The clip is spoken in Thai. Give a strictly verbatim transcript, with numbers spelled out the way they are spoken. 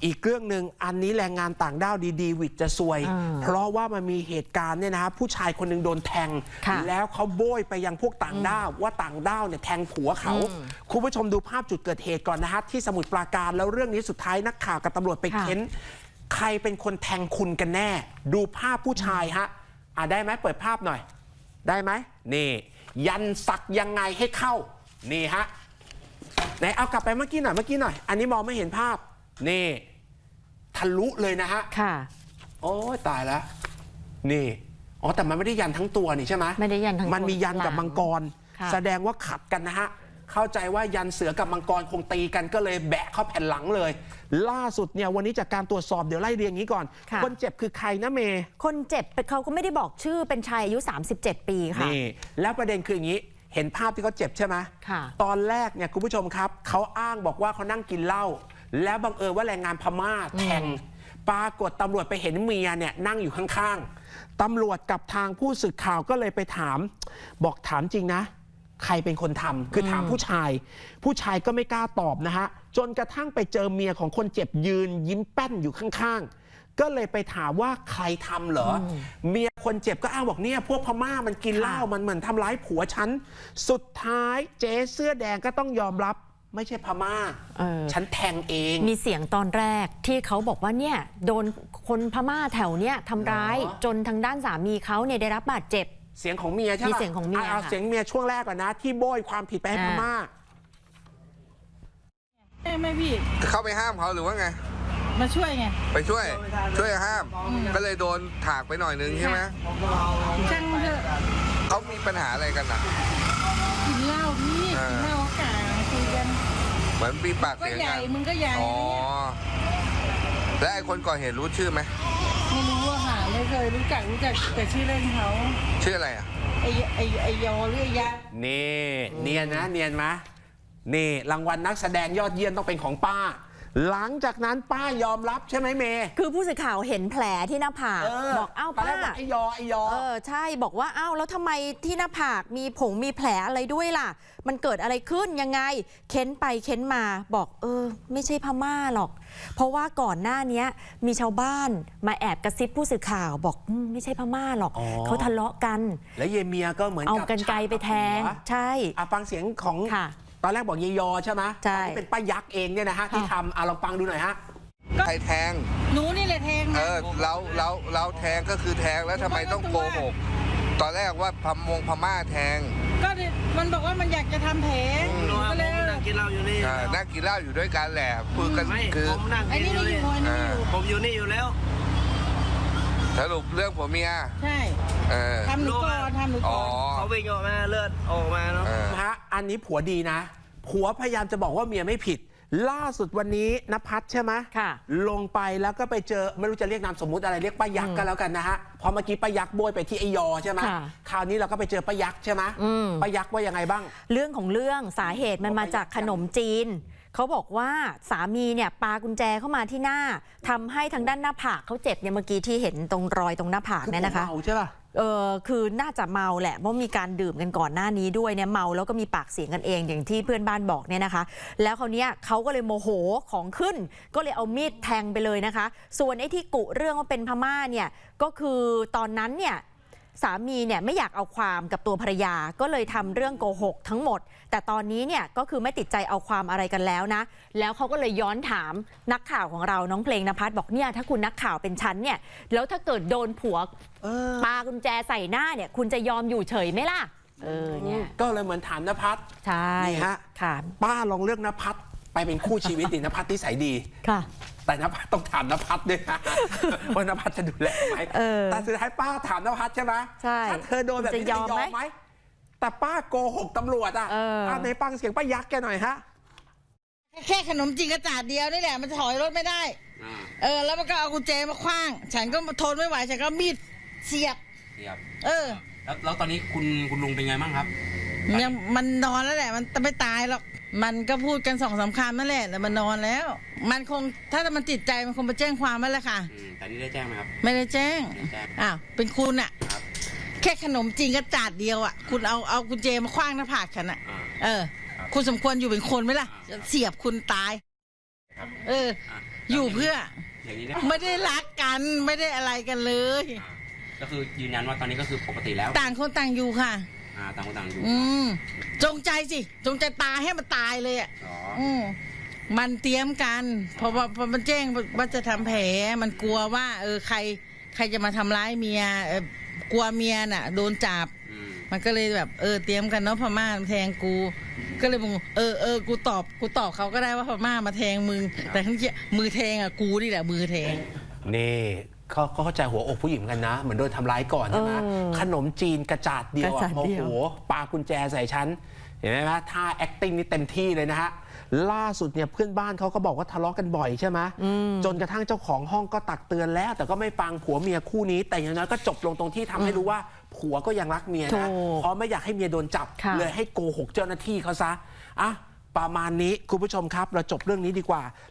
อีกเรื่องหนึ่งอันนี้แรงงานต่างด้าวดีๆวิทย์จะซวยเพราะว่ามันมีเหตุการณ์เนี่ยนะฮะผู้ชายคนหนึ่งโดนแทงแล้วเขาโบยไปยังพวกต่างด้าวว่าต่างด้าวเนี่ยแทงผัวเขาคุณผู้ชมดูภาพจุดเกิดเหตุก่อนนะฮะที่สมุทรปราการแล้วเรื่องนี้สุดท้ายนักข่าวกับตำรวจไปเค้นใครเป็นคนแทงคุณกันแน่ดูภาพผู้ชายฮะอ่ะได้ไหมเปิดภาพหน่อยได้ไหมนี่ยันสักยังไงให้เข้านี่ฮะไหนเอากลับไปเมื่อกี้หน่อยเมื่อกี้หน่อยอันนี้มองไม่เห็นภาพนี่ทะลุเลยนะฮะค่ะโอ้ยตายแล้วนี่อ๋อแต่มันไม่ได้ยันทั้งตัวนี่ใช่ไหมไม่ได้ยันทั้งตัวมันมียันกับมังกรแสดงว่าขัดกันนะฮะเข้าใจว่ายันเสือกับมังกรคงตีกันก็เลยแบะเข้าแผ่นหลังเลยล่าสุดเนี่ยวันนี้จากการตรวจสอบเดี๋ยวไล่เรียงนี้ก่อนคนเจ็บคือใครนะเมย์คนเจ็บเขาก็ไม่ได้บอกชื่อเป็นชายอายุสามสิบเจ็ดปีค่ะนี่แล้วประเด็นคืออย่างนี้เห็นภาพที่เขาเจ็บใช่ไหมค่ะตอนแรกเนี่ยคุณผู้ชมครับเขาอ้างบอกว่าเขานั่งกินเหล้าแล้วบังเอิญว่าแรงงานพม่าแทงปรากฏตำรวจไปเห็นเมียเนี่ยนั่งอยู่ข้างๆตำรวจกับทางผู้สื่อข่าวก็เลยไปถามบอกถามจริงนะใครเป็นคนทำคือถามผู้ชายผู้ชายก็ไม่กล้าตอบนะฮะจนกระทั่งไปเจอเมียของคนเจ็บยืนยิ้มแป้นอยู่ข้างๆก็เลยไปถามว่าใครทำเหรอเมียคนเจ็บก็อ้างบอกเนี่ยพวกพม่ามันกินเหล้ามันเหมือนทำร้ายผัวฉันสุดท้ายเจ๊เสื้อแดงก็ต้องยอมรับไม่ใช่พม่าฉันแทงเองมีเสียงตอนแรกที่เขาบอกว่าเนี่ยโดนคนพม่าแถวเนี้ยทำร้ายจนทางด้านสามีเขาเนี่ยได้รับบาดเจ็บเสียงของเมียใช่ไหมมีเสียงของเมียเอาเสียงเมียช่วงแรกก่อนนะที่โบยความผิดไปให้พม่าไม่พี่เข้าไปห้ามเขาหรือว่าไงมาช่วยไงไปช่วยช่วยห้ามก็เลยโดนถากไปหน่อยนึงใช่ไหมช่างเถอะเขามีปัญหาอะไรกันอ่ะกินเหล้าพี่กินเหล้ากลางคุยกันเหมือนปีปากเสียงกันมึงก็ใหญ่อ๋อแล้วไอ้คนก่อเหตุรู้ชื่อไหมไม่รู้อะค่ะไม่เคยรู้จักรู้จักแต่ชื่อเล่นเขาชื่ออะไรอ่ะไอไอไอยอหรือไอยะนี่เนียนนะเนียนไหมนี่รางวัลนักแสดงยอดเยี่ยมต้องเป็นของป้าหลังจากนั้นป้ายอมรับใช่ไหมเมย์คือผู้สื่อข่าวเห็นแผลที่หน้าผากบอกเอ้าป้าไอยอไอยอเออใช่บอกว่าเอ้าแล้วทำไมที่หน้าผากมีผงมีแผลอะไรด้วยล่ะมันเกิดอะไรขึ้นยังไงเค้นไปเค้นมาบอกเออไม่ใช่พม่าหรอกเพราะว่าก่อนหน้านี้มีชาวบ้านมาแอบกระซิบผู้สื่อข่าวบอกไม่ใช่พม่าหรอกเขาทะเลาะกันแล้วเยเมียก็เหมือนเอากันไกลไปแทงใช่อ่ะฟังเสียงของตอนแรกบอกเยยอใช่ไหมใช่ที่เป็นป้ายักษ์เองเนี่ยนะฮะที่ทำอ่ะลองฟังดูหน่อยฮะใครแทงหนูนี่แหละแทงเออเราเราเราแทงก็คือแทงแล้วทำไมต้องโกหกตอนแรกว่าพมงพม่าแทงก็มันบอกว่ามันอยากจะทำแผลก็เลยนั่งกินเหล้าอยู่นี่นั่งกินเหล้าอยู่ด้วยกันแหละคุยกันคือผมนั่งกินอยู่นี่ผมอยู่นี่อยู่แล้วสรุปเรื่องผัวเมียใช่ทำหนูก่อนทำหนูก่อนเขาวิ่งออกมาเลือดออกมาเนาะฮะอันนี้ผัวดีนะผัวพยายามจะบอกว่าเมียไม่ผิดล่าสุดวันนี้ณภัทรใช่ไหมค่ะลงไปแล้วก็ไปเจอไม่รู้จะเรียกนามสมมุติอะไรเรียกป้ายักษ์ก็แล้วกันนะฮะพอเมื่อกี้ป้ายักษ์โบยไปที่ไอยอใช่ไหมคราวนี้เราก็ไปเจอป้ายักษ์ใช่ไหมป้ายักษ์ว่ายังไงบ้างเรื่องของเรื่องสาเหตุมันมาจากขนมจีนเขาบอกว่าสามีเนี่ยปากุญแจเข้ามาที่หน้าทำให้ทางด้านหน้าผากเขาเจ็บเนี่ยเมื่อกี้ที่เห็นตรงรอยตรงหน้าผากเนี่ยนะคะเมาใช่ป่ะเออคือน่าจะเมาแหละเพราะมีการดื่มกันก่อนหน้านี้ด้วยเนี่ยเมาแล้วก็มีปากเสียงกันเองอย่างที่เพื่อนบ้านบอกเนี่ยนะคะแล้วคราวนี้เขาก็เลยโมโหของขึ้นก็เลยเอามีดแทงไปเลยนะคะส่วนไอ้ที่กุเรื่องว่าเป็นพม่าเนี่ยก็คือตอนนั้นเนี่ยสามีเนี่ยไม่อยากเอาความกับตัวภรรยาก็เลยทำเรื่องโกหกทั้งหมดแต่ตอนนี้เนี่ยก็คือไม่ติดใจเอาความอะไรกันแล้วนะแล้วเขาก็เลยย้อนถามนักข่าวของเราน้องเพลงนภัสบอกเนี่ยถ้าคุณนักข่าวเป็นฉันเนี่ยแล้วถ้าเกิดโดนผัวปากุญแจใส่หน้าเนี่ยคุณจะยอมอยู่เฉยไหมล่ะเออเนี่ยก็เลยเหมือนถามนภัสใช่นี่ฮะค่ะป้าลองเลือกนภัสไปเป็นคู่ชีวิตดินภัสนิสัยดีค่ะแต่นภัสต้องถามนภัสด้วยนะว่านภัสจะดูแลไหมแต่สุดท้ายป้าถามนภัสใช่ไหมใช่ถ้าเธอโดนแบบนี้จะยอมไหมแต่ป้าโกหกตำรวจอ่ะในฟังเสียงป้ายักษ์แกหน่อยฮะแค่ขนมจีนกระจาดเดียวนี่แหละมันถอยรถไม่ได้เออแล้วมันก็เอากุญแจมาคว้างฉันก็ทนไม่ไหวฉันก็มีดเสียบเสียบเออแล้วแล้วตอนนี้คุณคุณลุงเป็นไงบ้างครับยังมันนอนแล้วแหละมันไม่ตายหรอกมันก็พูดกันสองสามคำนั่นแหละแต่มันนอนแล้วมันคงถ้ามันติดใจมันคงไปแจ้งความแล้วแหละค่ะแต่นี่ได้แจ้งไหมครับไม่ได้แจ้งอ้าวเป็นคุณอะแค่ขนมจีนกระจาดเดียวอะคุณเอาเอากุญแจมาคว้างหน้าผากฉันอะเออคุณสมควรอยู่เป็นคนไหมล่ะเสียบคุณตายเอออยู่เพื่ออย่างนี้เนี่ยไม่ได้รักกันไม่ได้อะไรกันเลยก็คือยืนยันว่าตอนนี้ก็คือปกติแล้วต่างคนต่างอยู่ค่ะอ่าต่างคนต่างอยู่อืมจงใจสิจงใจตายให้มันตายเลยอ่ะอ๋ออืมมันเตรียมกันเพราะว่าพอมันแจ้งว่าจะทำแผลมันกลัวว่า เออใคร ใครจะมาทำร้ายเมียเออกลัวเมียน่ะ โดนจับอืมมันก็เลยแบบเออเตรียมกันเนาะพม่ามาแทงกู ก็เลยมึงเออเออกูตอบกูตอบเขาก็ได้ว่าพม่ามาแทงมึง แต่ทั้งที่มือแทงอ่ะกูนี่แหละมือแทงนี่เขาเขาเข้าใจหัวอกผู้หญิงกันนะ เหมือนโดนทำร้ายก่อนใช่ไหมเออขนมจีนกระจาดเดียวกระจาอะดโอ้เดีโหยวปากุญแจใส่ฉันเห็นไหมฮะท่า acting นี่เต็มที่เลยนะฮะ ล่าสุดเนี่ยเพื่อนบ้านเขาก็บอกว่าทะเลาะกันบ่อยใช่ไหมจนกระทั่งเจ้าของห้องก็ตักเตือนแล้ว แต่ก็ไม่ฟังผัวเมียคู่นี้ แต่อย่างน้อยก็จบลงตรงที่ทำให้รู้ว่าผัวก็ยังรักเมียถูนะกเพราะไม่อยากให้เมียโดนจับค่ะเลยให้โกหกเจ้าหน้าที่เขาซะอ่ะประมาณนี้คุณผู้ชมครับเราจบเรื่องนี้ดีกว่า